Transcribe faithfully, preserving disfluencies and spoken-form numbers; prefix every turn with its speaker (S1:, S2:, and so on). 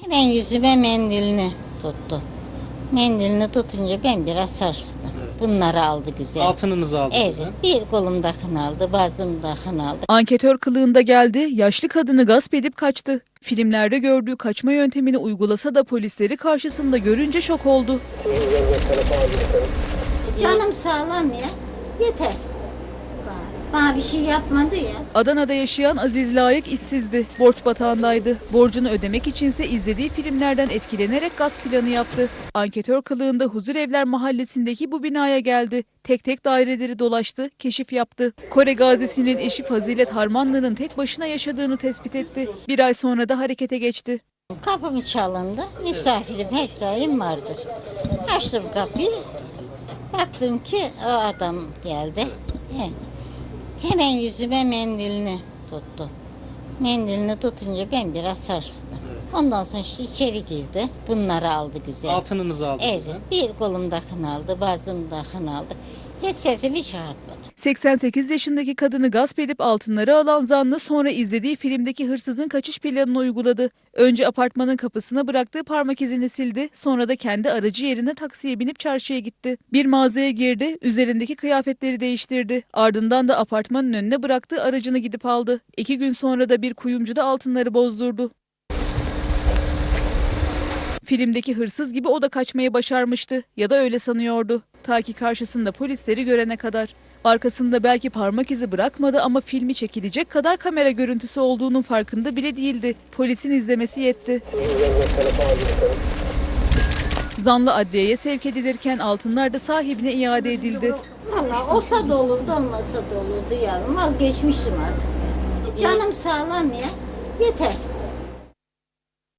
S1: Hemen yüzüme mendilini tuttu. Mendilini tutunca ben biraz sarstım. Bunları aldı güzel.
S2: Altınınızı aldı
S1: Evet,
S2: sizin.
S1: bir kolumdakini aldı, bazımdakini aldı.
S3: Anketör kılığında geldi, yaşlı kadını gasp edip kaçtı. Filmlerde gördüğü kaçma yöntemini uygulasa da polisleri karşısında görünce şok oldu.
S1: Canım sağlam ya, yeter. Bana bir şey yapmadı ya.
S3: Adana'da yaşayan Aziz Layık işsizdi, borç batağındaydı. Borcunu ödemek içinse izlediği filmlerden etkilenerek gasp planı yaptı. Anketör kılığında Huzurevler mahallesindeki bu binaya geldi. Tek tek daireleri dolaştı, keşif yaptı. Kore gazisinin eşi Fazilet Harmanlı'nın tek başına yaşadığını tespit etti. Bir ay sonra da harekete geçti.
S1: Kapım çalındı, misafirim her daim vardır. Açtım kapıyı, baktım ki o adam geldi. He. Hemen yüzüme mendilini tuttu. Mendilini tutunca ben biraz sarstım. Ondan sonra işte içeri girdi. Bunları aldı güzel.
S2: Altınınızı aldı
S1: Evet,
S2: sizin.
S1: bir kolumdakini aldı, bazımdakini aldı. Hiç sesimi çıkartmadı.
S3: seksen sekiz yaşındaki kadını gasp edip altınları alan zanlı sonra izlediği filmdeki hırsızın kaçış planını uyguladı. Önce apartmanın kapısına bıraktığı parmak izini sildi, sonra da kendi aracı yerine taksiye binip çarşıya gitti. Bir mağazaya girdi, üzerindeki kıyafetleri değiştirdi. Ardından da apartmanın önüne bıraktığı aracını gidip aldı. İki gün sonra da bir kuyumcuda altınları bozdurdu. Filmdeki hırsız gibi o da kaçmayı başarmıştı ya da öyle sanıyordu. Ta ki karşısında polisleri görene kadar. Arkasında belki parmak izi bırakmadı ama filmi çekilecek kadar kamera görüntüsü olduğunun farkında bile değildi. Polisin izlemesi yetti. Zanlı adliyeye sevk edilirken altınlar da sahibine iade edildi.
S1: Valla olsa da olurdu, olmasa da olurdu yavrum. Vazgeçmiştim artık. Canım sağlam ya, yeter.